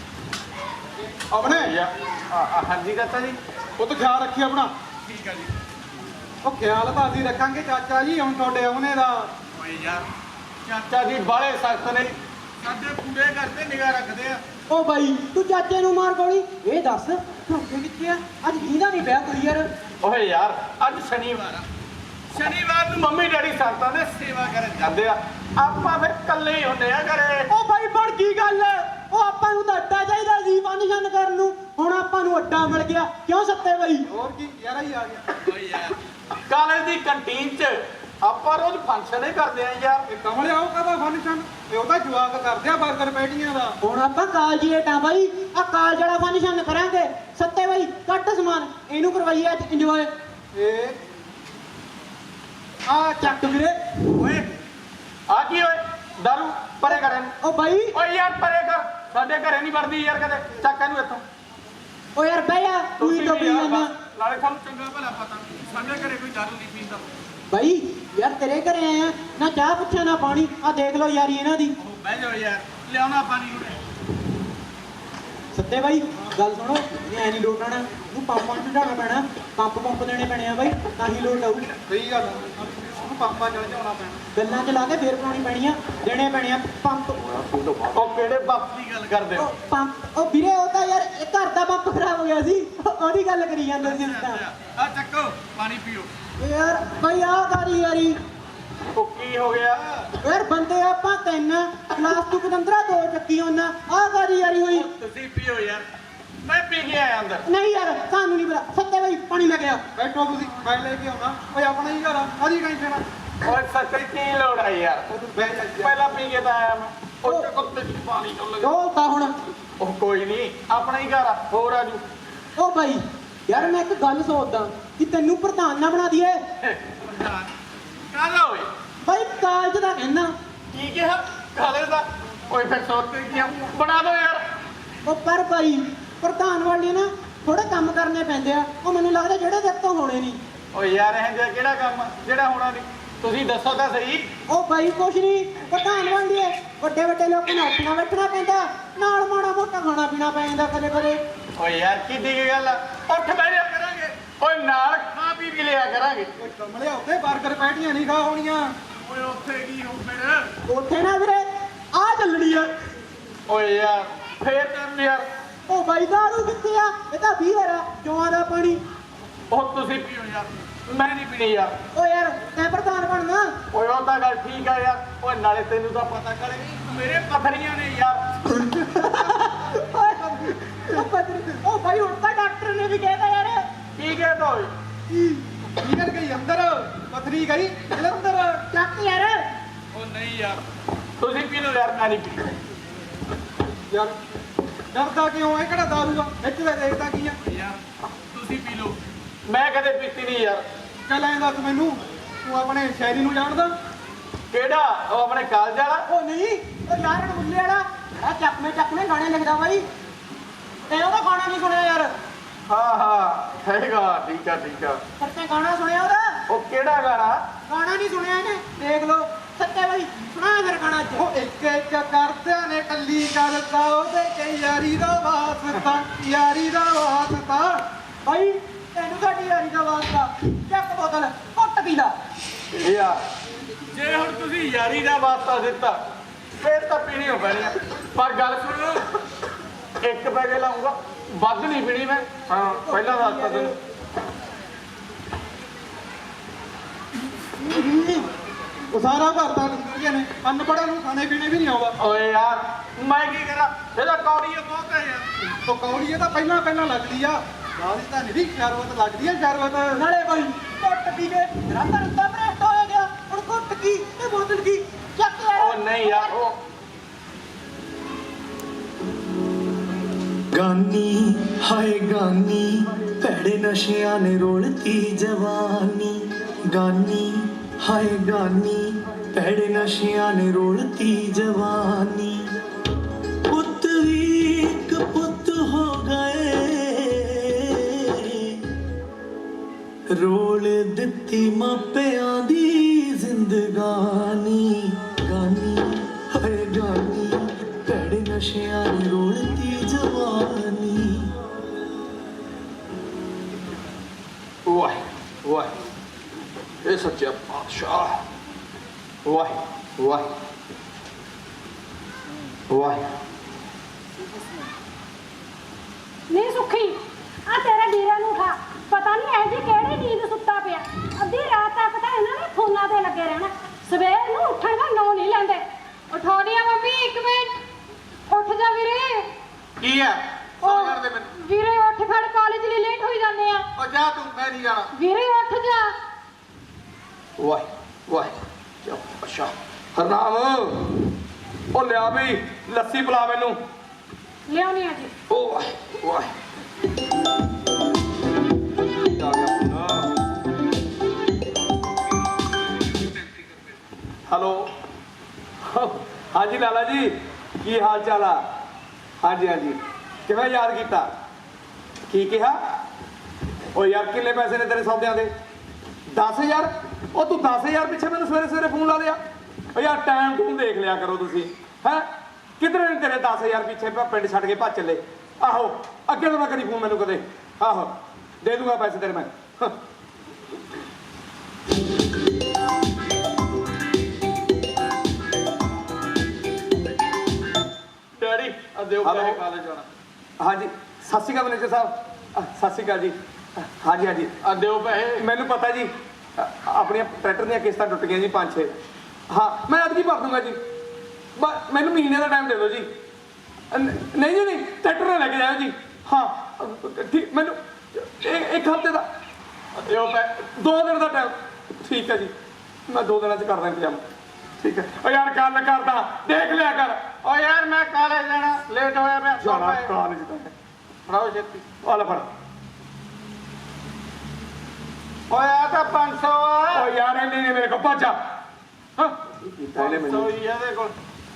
ਆਪਣੇ ਯਾ ਆ- ਆ, ਹਾਂਜੀ ਚਾਚਾ ਜੀ। ਉਹ ਤਾਂ ਖਿਆਲ ਰੱਖੀ ਆਪਣਾ। ਠੀਕ ਹੈ ਜੀ। ਉਹ ਖਿਆਲ ਤਾਂ ਅਸੀਂ ਰੱਖਾਂਗੇ ਚਾਚਾ ਜੀ, ਹੁਣ ਤੁਹਾਡੇ ਆਉਣੇ ਦਾ। ਓਏ ਯਾਰ ਚਾਚਾ ਜੀ ਬਾਲੇ ਸਖਤ ਨੇ, ਸਾਡੇ ਪੂਰੇ ਘਰ ਤੇ ਨਿਗਾਹ ਰੱਖਦੇ ਆ। ਉਹ ਬਾਈ ਤੂੰ ਚਾਚੇ ਨੂੰ ਮਾਰ ਗੋਲੀ। ਇਹ ਦੱਸ ਢੋਕੇ ਕਿੱਥੇ ਆ? ਅੱਜ ਕਿਹਦਾ ਨਹੀਂ ਪਿਆ ਕੋਈ ਯਾਰ। ਓਏ ਯਾਰ ਅੱਜ ਸ਼ਨੀਵਾਰ ਆ, ਸ਼ਨੀਵਾਰ ਨੂੰ ਮੰਮੀ ਡੈਡੀ ਸੰਤਾਂ ਦੇ ਸੇਵਾ ਕਰਨ ਜਾਂਦੇ ਆ, ਆਪਾਂ ਫਿਰ ਇਕੱਲੇ ਹੀ ਹੁੰਦੇ ਆ ਘਰੇ। ਉਹ ਬਾਈ ਬਣ ਕੀ ਗੱਲ? ਉਹ ਆਪਾਂ ਨੂੰ ਤਾਂ ਅੱਡਾ ਚਾਹੀਦਾ ਸੀ ਫੰਕਸ਼ਨ ਕਰਨ ਨੂੰ, ਹੁਣ ਆਪਾਂ ਨੂੰ ਅੱਡਾ ਮਿਲ ਗਿਆ। ਕਿਉਂ ਸੱਤੇ ਬਾਈ? ਹੋਰ ਕੀ ਯਾਰਾ ਹੀ ਆ ਗਿਆ। ਓਏ ਯਾਰ ਕਾਲਜ ਦੀ ਕੰਟੀਨ 'ਚ ਆਪਾਂ ਰੋਜ਼ ਫੰਕਸ਼ਨ ਹੀ ਕਰਦੇ ਆ ਯਾਰ। ਇਹ ਕਮਲਿਆ ਉਹ ਕਹਦਾ ਫੰਕਸ਼ਨ, ਇਹ ਉਹਦਾ ਜਵਾਕ ਕਰਦੇ ਆ ਬਰਗਰ ਪੈਟੀਆਂ ਦਾ। ਹੁਣ ਆਪਾਂ ਕਾਲਜੀ ਏਟਾਂ ਬਾਈ, ਆ ਕਾਲਜ ਵਾਲਾ ਫੰਕਸ਼ਨ ਕਰਾਂਗੇ। ਸੱਤੇ ਬਾਈ ਕੱਟ ਸਮਾਨ, ਇਹਨੂੰ ਕਰਵਾਈਏ ਅੱਜ ਇੰਜੋਏ। ਇਹ ਆ ਚੱਕ ਵੀਰੇ। ਓਏ ਆ ਕੀ ਓਏ ਦਾਰੂ ਪਰੇ ਕਰਨ। ਉਹ ਬਾਈ ਓਏ ਯਾਰ ਪਰੇ ਕਰ, ਸਾਡੇ ਘਰੇ ਨਹੀਂ ਵੜਦੀ ਯਾਰ ਕਦੇ। ਚੱਕ ਇਹਨੂੰ ਇੱਥੋਂ। ਉਹ ਯਾਰ ਬਹਿ ਜਾ, ਤੂੰ ਹੀ ਤੁਸੀਂ ਤਾਂ ਵੀ ਪੀ ਯਾਰ ਜਾਂਦਾ ਬਸ, ਨਾਲੇ ਸਾਨੂੰ ਚੰਗਾ ਭਲਾ ਪਤਾ ਸਾਡੇ ਘਰੇ ਕੋਈ ਦਾਰੂ ਨਹੀਂ ਪੀਂਦਾ। ਬਾਈ। ਯਾਰ ਤੇਰੇ ਘਰੇ ਆਏ ਆ, ਨਾ ਚਾਹ ਪੁੱਛਿਆ ਨਾ ਪਾਣੀ। ਆ ਦੇਖ ਲਓ ਯਾਰੀ ਇਹਨਾਂ ਦੀ। ਬਹਿ ਜਾਓ ਯਾਰ, ਲਿਆਉਣਾ ਪਾਣੀ ਉਹਨੇ। ਸੱਤੇ ਬਾਈ ਗੱਲ ਸੁਣੋ, ਇਹ ਐ ਨਹੀਂ ਲੋਟ ਆਣਾ, ਨੂੰ ਪੰਪਾਂ ਨੂੰ ਢਾਣਾ ਪੈਣਾ। ਪੰਪ ਪੰਪ ਦੇਣੇ ਪੈਣੇ ਆ ਬਾਈ, ਤਾਂ ਹੀ ਲੋਟ ਆਊ। ਸਹੀ ਗੱਲ ਆ, ਉਹਨੂੰ ਪਾਪਾ ਚਲ ਜਾਣਾ ਪੈਣਾ। ਗੱਲਾਂ ਚ ਲਾ ਕੇ ਫੇਰ ਪਾਉਣੀ ਪੈਣੀ ਆ, ਦੇਣੇ ਪੈਣੇ ਆ ਪੰਪ। ਉਹ ਕਿਹੜੇ ਬਾਪ ਦੀ ਗੱਲ ਕਰਦੇ ਹੋ? ਉਹ ਪੰਪ ਉਹ ਵੀਰੇ, ਉਹ ਤਾਂ ਯਾਰ ਇਹ ਘਰ ਦਾ ਪੰਪ ਖਰਾਬ ਹੋ ਗਿਆ ਸੀ, ਉਹਦੀ ਗੱਲ ਕਰੀ ਜਾਂਦੇ ਸੀ ਤਾਂ। ਆ ਚੱਕੋ ਪਾਣੀ ਪੀਓ। ਯਾਰ ਬਾਈ ਆ ਗਾਰੀ ਯਾਰੀ। ਉਹ ਕੀ ਹੋ ਗਿਆ? ਯਾਰ ਬੰਦੇ ਆਪਾਂ ਤਿੰਨ, ਕਲਾਸ ਤੂੰ ਪਤੰਦਰਾ ਦੋ ਚੱਕੀ ਉਹਨਾਂ। ਆ ਗਾਰੀ ਯਾਰੀ ਹੋਈ। ਤੁਸੀਂ ਪੀਓ ਯਾਰ, ਮੈਂ ਪੀ ਕੇ ਆਇਆ ਅੰਦਰ। ਨਹੀਂ ਯਾਰ ਸਾਨੂੰ ਨਹੀਂ ਪਤਾ। ਸੱਤੇ ਬਾਈ ਪਾਣੀ ਲੈ ਗਿਆ। ਬੈਠੋ ਤੁਸੀਂ, ਮੈਂ ਲੈ ਕੇ ਆਉਣਾ। ਓਏ ਆਪਣਾ ਹੀ ਘਰ ਆ, ਕਾਹਦੀ ਟੈਨਸ਼ਨ ਆ? ਓਏ ਸੱਚੀ ਕੀ ਲੋੜ ਹੈ ਯਾਰ? ਉਹ ਤੂੰ ਬਹਿ ਜਾ ਜੀ। ਪਹਿਲਾਂ ਪੀ ਕੇ ਤਾਂ ਆਇਆ ਮੈਂ। ਉਹ ਚੱਕੋ ਤੇ ਪਾਣੀ ਤੋਂ ਲਗਾ। ਉਹ ਤਾਂ ਹੁਣ ਉਹ ਕੋਈ ਨਹੀਂ, ਆਪਣਾ ਹੀ ਘਰ ਆ, ਹੋਰ ਆਜੂ। ਉਹ ਬਾਈ ਯਾਰ ਮੈਂ ਇੱਕ ਗੱਲ ਸੋਚਦਾ ਕਿ ਤੈਨੂੰ ਪ੍ਰਧਾਨ ਨਾ ਬਣਾ ਦਈਏ। ਕਾਹਦਾ ਓਏ? ਬਾਈ ਕਾਲਜ ਦਾ ਕਹਿਣਾ। ਕੀ ਕਿਹਾ? ਕਾਲੇ ਦਾ? ਓਏ ਫਿਰ ਸੋਚ ਕੇ ਕੀ ਆ? ਬਣਾ ਦੋ ਯਾਰ। ਉਹ ਪਰ ਭਾਈ ਪ੍ਰਧਾਨ ਵਾਲੇ ਨਾ ਥੋੜੇ ਕੰਮ ਕਰਨੇ ਪੈਂਦੇ ਆ। ਉਹ ਮੈਨੂੰ ਲੱਗਦਾ ਜਿਹੜੇ ਤੇਰੇ ਤੋਂ ਹੋਣੇ ਨਹੀਂ। ਓਏ ਯਾਰ ਇਹ ਜਿਹਾ ਕਿਹੜਾ ਕੰਮ ਆ ਜਿਹੜਾ ਹੋਣਾ ਨਹੀਂ? ਤੁਸੀਂ ਦੱਸੋ ਤਾਂ ਸਹੀ। ਉਹ ਬਾਈ ਕੁਛ ਨਹੀਂ ਪ੍ਰਧਾਨ ਬਣ ਲਈਏ ਵੱਡੇ ਵੱਡੇ ਲੋਕਾਂ ਨੂੰ ਉੱਠਣਾ ਬੈਠਣਾ ਪੈਂਦਾ ਨਾਲ ਮਾੜਾ ਮੋਟਾ ਖਾਣਾ ਪੀਣਾ ਪੈ ਜਾਂਦਾ ਕਦੇ ਕਦੇ ਓਏ ਯਾਰ ਕਿੱਡੀ ਕੀ ਗੱਲ ਆ, ਉੱਠ ਬਹਿ ਜਾ ਕਰਾਂਗੇ, ਓਏ ਨਾਲ ਖਾ ਪੀ ਵੀ ਲਿਆ ਕਰਾਂਗੇ। ਕਮਲੇ ਉੱਤੇ 버ਗਰ ਪੈਟੀਆਂ ਨਹੀਂ ਖਾ ਹੋਣੀਆਂ ਓਏ ਉੱਥੇ ਕੀ ਹੋਊ ਫਿਰ? ਉੱਥੇ ਨਾ ਵੀਰੇ ਆ ਚੱਲਣੀ ਆ ਓਏ ਯਾਰ ਫੇਰ ਕਰ ਯਾਰ। ਉਹ ਬਾਈ ਦਾਰੂ ਕਿੱਥੇ ਆ ਇਹ ਤਾਂ ਬੀਅਰ ਆ ਜੋਆਂ ਦਾ ਪਾਣੀ ਉਹ ਤੁਸੀਂ ਪੀਓ ਯਾਰ, ਮੈਂ ਨਹੀਂ ਪੀਣੀ ਯਾਰ। ਓ ਯਾਰ ਤੈਂ ਪ੍ਰਧਾਨ ਬਣਨਾ ਓਏ ਉਹ ਤਾਂ ਗੱਲ ਠੀਕ ਆ ਯਾਰ। ਓਏ ਨਾਲੇ ਤੈਨੂੰ ਤਾਂ ਪਤਾ ਕਰੇ ਮੇਰੇ ਪਥਰੀਆਂ ਨੇ ਯਾਰ। ਉਹ ਪਤਰੀ ਉਹ ਬਾਈ ਹੁਣ ਤਾਂ ਡਾਕਟਰ ਨੇ ਵੀ ਕਹਿਤਾ ਯਾਰ ਕੀ ਕਹਿ ਓਏ? ਨਿਕਲ ਗਈ ਅੰਦਰ ਪਥਰੀ ਗਈ ਜਲੰਧਰ ਚੱਕ ਯਾਰ ਉਹ ਨਹੀਂ ਯਾਰ ਤੁਸੀਂ ਪੀ ਲਓ ਯਾਰ, ਮੈਂ ਨਹੀਂ ਪੀਣੀ ਯਾਰ ਡਰਦਾ ਕਿਉਂ ਇਹ ਕਿਹੜਾ ਦਾਰੂ ਆ ਇੱਥੇ ਤਾਂ ਦੇਖਦਾ ਕੀ ਆ ਯਾਰ। ਤੁਸੀਂ ਪੀ ਲਓ, ਮੈਂ ਕਦੇ ਪੀਤੀ ਨਹੀਂ ਯਾਰ। ਚੱਲ ਐਂ ਦੱਸ ਮੈਨੂੰ ਤੂੰ ਆਪਣੇ ਸ਼ਾਇਰੀ ਨੂੰ ਜਾਣਦਾ ਕਿਹੜਾ? ਉਹ ਆਪਣੇ ਕਾਲਜ ਵਾਲਾ? ਉਹ ਨਹੀਂ ਉਹ ਯਾਰ ਮੁੱਲੇ ਵਾਲਾ ਆ ਚੱਕਵੇਂ ਚੱਕਵੇਂ ਗਾਣੇ ਲਿਖਦਾ ਬਾਈ ਤੇ ਉਹਦਾ ਗਾਣਾ ਨਹੀਂ ਸੁਣਿਆ ਯਾਰ ਹਾਂ ਹਾਂ ਹੈਗਾ, ਠੀਕ ਆ ਠੀਕ ਆ। ਪਰ ਤੇ ਗਾਣਾ ਸੁਣਿਆ ਉਹਦਾ ਉਹ ਕਿਹੜਾ ਗਾਣਾ? ਗਾਣਾ ਨਹੀਂ ਸੁਣਿਆ ਇਹਨੇ ਦੇਖ ਲਓ ਸੱਚੇ ਬਾਈ ਸੁਣਾ ਫਿਰ ਗਾਣਾ ਅੱਜ ਉਹ ਇੱਕ ਇੱਕ ਕਰਦਿਆਂ ਨੇ ਕੱਲੀ ਕਰਦਾ ਉਹਦੇ ਤੇ ਯਾਰੀ ਦਾ ਵਾਸਤਾ ਯਾਰੀ ਦਾ ਵਾਸਤਾ ਬਾਈ ਤੈਨੂੰ ਸਾਡੀ ਯਾਰੀ ਦਾ ਵਾਸਤਾ ਚੱਕ ਬੋਤਲ ਘੁੱਟ ਪੀ ਲਾ ਯਾਰ ਜੇ ਹੁਣ ਤੁਸੀਂ ਯਾਰੀ ਦਾ ਵਾਸਤਾ ਦਿੱਤਾ ਫੇਰ ਤਾਂ ਪੀਣੀ ਹੋ ਪੈਣੀ ਆ। ਪਰ ਗੱਲ ਸੁਣੋ, ਇੱਕ ਪੈਗੇ ਲਾਉਂਗਾ, ਵੱਧ ਨਹੀਂ ਪੀਣੀ ਮੈਂ। ਹਾਂ ਪਹਿਲਾਂ ਦੱਸਤਾ ਤੈਨੂੰ। ਉਹ ਸਾਰਾ ਭਰਤਾ ਨਿਕਲੀਆਂ ਨੇ ਅਨਪੜ੍ਹਾਂ ਨੂੰ ਖਾਣੇ ਪੀਣੇ ਵੀ ਨਹੀਂ ਆਉਂਦਾ ਓਏ ਯਾਰ ਮੈਂ ਕੀ ਕਰਾਂ, ਇਹਦਾ ਕੌੜੀ ਬਹੁਤ ਹੈ ਯਾਰ। ਉਹ ਕੌੜੀ ਇਹ ਤਾਂ ਪਹਿਲਾਂ ਪਹਿਲਾਂ ਲੱਗਦੀ ਆ ਬਾਅਦ ਤਾਂ ਨਹੀਂ ਸ਼ਰਬਤ ਲੱਗਦੀ ਆ ਸ਼ਰਬਤ ਨਾਲੇ ਬਾਈ ਘੁੱਟ ਪੀ ਕੇ ਰੰਦਾ ਰੰਦਾ ਭ੍ਰਿਸ਼ਟ ਹੋ ਗਿਆ ਹੁਣ ਘੁੱਟ ਕੀ ਤੇ ਬੋਤਲ ਕੀ ਚੱਕ ਯਾਰ ਉਹ ਨਹੀਂ ਯਾਰ ਉਹ ਗਾਨੀ ਹਾਏ ਗਾਨੀ ਭੈੜੇ ਨਸ਼ਿਆਂ ਨੇ ਰੋਲਤੀ ਜਵਾਨੀ ਗਾਨੀ ਹਾਏ ਗਾਨੀ ਭੈੜੇ ਨਸ਼ਿਆਂ ਨੇ ਰੋਲਤੀ ਜਵਾਨੀ ਪੁੱਤ ਵੀ ਇੱਕ ਪੁੱਤ ਹੋ ਗਏ ਰੋਲ ਦਿੱਤੀ ਮਾਪਿਆਂ ਦੀ ਜ਼ਿੰਦਗਾਨੀ ਗਾਨੀ ਹਾਏ ਗਾਨੀ ਭੈੜੇ ਨਸ਼ਿਆਂ ਨੇ ਰੋਲਤੀ ਜਵਾਨੀ ਵਾਹ ਵਾਹ ਇਹ ਸੱਚਾ ਪਾਤਸ਼ਾਹ ਵਾਹ ਵਾਹ ਵਾਹ। ਨਹੀਂ ਸੁੱਖੀ ਆ ਤੇਰੇ ਵੀਰੇ ਨੂੰ ਉਠਾ, ਪਤਾ ਨਹੀਂ ਐ ਜੀ ਕਿਹੜੀ ਨੀਂਦ ਸੁੱਤਾ ਪਿਆ। ਅੱਧੀ ਰਾਤ ਤੱਕ ਤਾਂ ਇਹਨਾਂ ਨੇ ਫੋਨਾਂ ਤੇ ਲੱਗੇ ਰਹਿਣਾ, ਸਵੇਰ ਨੂੰ ਉੱਠਣ ਦਾ ਨਾਂ ਨਹੀਂ ਲੈਂਦੇ। ਉਠਾਉਣੀ ਆ ਮੰਮੀ, ਇੱਕ ਮਿੰਟ। ਉੱਠ ਜਾ ਵੀਰੇ। ਕੀ ਆ ਸੌਂ ਕਰਦੇ ਮੈਨੂੰ? ਵੀਰੇ ਉੱਠ ਖੜ, ਕਾਲਜ ਲਈ ਲੇਟ ਹੋਈ ਜਾਂਦੇ ਆ। ਉਹ ਜਾ ਤੂੰ, ਮੈਂ ਨਹੀਂ ਜਾਣਾ। ਵੀਰੇ ਉੱਠ ਜਾ। ਵਾਹ ਵਾਹ ਚਾ ਅੱਛਾ ਹਰਨਾਮ ਉਹ ਲਿਆ ਵੀ ਲੱਸੀ ਪਿਲਾ ਮੈਨੂੰ। ਲਿਆਉਣੀ ਆ ਜੀ। ਉਹ ਵਾਹ ਵਾਹ ਆ ਗਿਆ ਪੁੱਤ। ਹੈਲੋ ਹਾਂਜੀ ਲਾਲਾ ਜੀ, ਕੀ ਹਾਲ ਚਾਲ ਆ? ਹਾਂਜੀ ਹਾਂਜੀ ਕਿਵੇਂ ਯਾਦ ਕੀਤਾ? ਕੀ ਕਿਹਾ? ਉਹ ਯਾਰ ਕਿੰਨੇ ਪੈਸੇ ਨੇ ਤੇਰੇ ਸੌਦਿਆਂ ਦੇ? ਦਸ ਹਜ਼ਾਰ? ਉਹ ਤੂੰ ਦਸ ਹਜ਼ਾਰ ਪਿੱਛੇ ਮੈਨੂੰ ਸਵੇਰੇ ਸਵੇਰੇ ਫੋਨ ਲਾ ਲਿਆ। ਉਹ ਯਾਰ ਟਾਈਮ ਟੂਮ ਦੇਖ ਲਿਆ ਕਰੋ ਤੁਸੀਂ ਹੈ। ਕਿਧਰੇ ਨੇ ਤੇਰੇ ਦਸ ਹਜ਼ਾਰ ਪਿੱਛੇ ਪਿੰਡ ਛੱਡ ਕੇ ਭੱਜ ਚੱਲੇ। ਆਹੋ ਅੱਗੇ ਤੋਂ ਨਾ ਕਰੀ ਫੋਨ ਮੈਨੂੰ ਕਦੇ। ਆਹੋ ਦੇ ਦੂੰਗਾ ਪੈਸੇ ਤੇਰੇ ਮੈਂ। ਡੈਡੀ ਆ ਦਿਓ ਪੈਸੇ ਕਾਲਜ ਜਾਣਾ। ਹਾਂਜੀ ਸਤਿ ਸ਼੍ਰੀ ਅਕਾਲ ਮੈਨੇਜਰ ਸਾਹਿਬ। ਅ, ਸਤਿ ਸ਼੍ਰੀ ਅਕਾਲ ਜੀ। ਅ, ਹਾਂਜੀ ਹਾਂਜੀ ਆ ਦਿਓ ਪੈਸੇ। ਮੈਨੂੰ ਪਤਾ ਜੀ ਅ, ਆਪਣੀਆਂ ਟਰੈਕਟਰ ਦੀਆਂ ਕਿਸ਼ਤਾਂ ਟੁੱਟ ਗਈਆਂ ਜੀ ਪੰਜ ਛੇ। ਹਾਂ ਮੈਂ ਅੱਜ ਕੀ ਭਰ ਦੂੰਗਾ ਜੀ। ਬ- ਮੈਨੂੰ ਮਹੀਨੇ ਦਾ ਟਾਈਮ ਦੇ ਦਿਓ ਜੀ। ਅ, ਨ- ਨਹੀਂ ਜੀ ਨਹੀਂ ਟਰੈਕਟਰ ਨਾਲ ਲੈ ਕੇ ਜਾਓ ਜੀ। ਹਾਂ ਅ, ਠੀਕ ਮੈਨੂੰ ਇਹ- ਇੱਕ ਹਫ਼ਤੇ ਦਾ ਦਿਓ ਪੈ ਦੋ ਦਿਨ ਦਾ ਟਾਈਮ। ਠੀਕ ਹੈ ਜੀ ਮੈਂ ਦੋ ਦਿਨਾਂ 'ਚ ਕਰਦਾ ਇੰਤਜ਼ਾਮ। ਠੀਕ ਹੈ। ਓ ਯਾਰ ਗੱਲ ਕਰਦਾ ਦੇਖ ਲਿਆ ਕਰ। ਓ ਯਾਰ ਮੈਂ ਕਾਲਜ ਜਾਣਾ, ਲੇਟ ਹੋਇਆ ਮੈਂ। ਜਾਣਾ ਕਾਲਜ ਤਾਂ ਫੜਾਓ ਛੇਤੀ। ਆ ਲੈ ਫੜ। ਓਏ ਆ ਤਾਂ ਪੰਜ ਸੌ ਆ। ਓ ਯਾਰ ਇੰਨੇ ਨੇ ਮੇਰੇ ਕੋਲ ਭੱਜ ਜਾ। ਹਾਂ ਪੰਜ ਸੌ ਹੀ ਆ ਇਹਦੇ ਕੋਲ।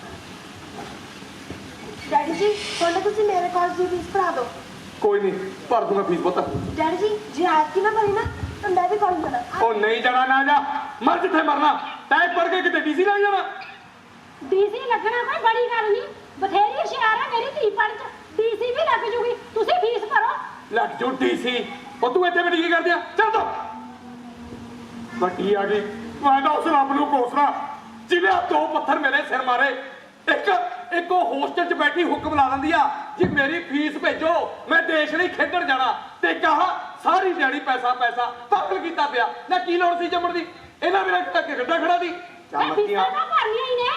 ਡੈਡੀ ਜੀ ਹੁਣ ਤੁਸੀਂ ਮੇਰੇ ਕਾਲਜ ਦੀ ਫੀਸ ਭਰਾ ਦਿਓ। ਕੋਈ ਨਹੀਂ ਭਰ ਦੂੰਗਾ ਫੀਸ ਪੁੱਤ। ਡੈਡੀ ਜੀ ਜੇ ਆਜ ਕੀ ਨਾ ਭਰੀ ਨਾ ਤਾਂ ਮੈਂ ਵੀ ਕਾਲਜ ਜਾਣਾ। ਉਹ ਨਹੀਂ ਜਾਣਾ ਨਾ ਜਾ। ਮਰ ਜਿੱਥੇ ਮਰਨਾ ਤੈਂ ਪੜ ਕੇ ਕਿਤੇ ਡੀਸੀ ਲੱਗ ਜਾਣਾ ਡੀਸੀ ਲੱਗਣਾ ਕੋਈ ਬੜੀ ਗੱਲ ਨਹੀਂ, ਬਥੇਰੀ ਹੁਸ਼ਿਆਰ ਹੈ ਮੇਰੀ ਧੀ ਪੜ ਚ, ਡੀਸੀ ਵੀ ਲੱਗ ਜੂਗੀ, ਤੁਸੀਂ ਫੀਸ ਭਰੋ। ਲੱਗ ਜੂ ਡੀਸੀ। ਉਹ ਤੂੰ ਇੱਥੇ ਬੈਠ ਕੀ ਕਰਦੀ ਆ? ਚੱਲ ਤੋ ਵੱਡੀ ਆ ਗਈ। ਮੈਂ ਤਾਂ ਉਸ ਰੱਬ ਨੂੰ ਕੋਸਣਾ ਜਿਹਨੇ ਆਹ ਦੋ ਪੱਥਰ ਮੇਰੇ ਸਿਰ ਮਾਰੇ। ਇੱਕ ਇੱਕ ਉਹ ਹੋਸਟਲ 'ਚ ਬੈਠੀ ਹੁਕਮ ਲਾ ਦਿੰਦੀ ਆ ਜੀ ਮੇਰੀ ਫੀਸ ਭੇਜੋ, ਮੈਂ ਦੇਸ਼ ਲਈ ਖੇਡਣ ਜਾਣਾ, ਤੇ ਕਹਾ ਸਾਰੀ ਦਿਹਾੜੀ ਪੈਸਾ ਪੈਸਾ ਪਾਗਲ ਕੀਤਾ ਪਿਆ ਨਾ। ਕੀ ਲੋੜ ਸੀ ਜੰਮਣ ਦੀ? ਇਹਨਾਂ ਮੇਰਾ ਕਿੱਡਾ ਗੱਡਾ ਖੜਾ ਦੀ। ਚੱਲ ਮੈਂ ਫੀਸਾਂ ਮੱਕੀਆਂ ਨਾ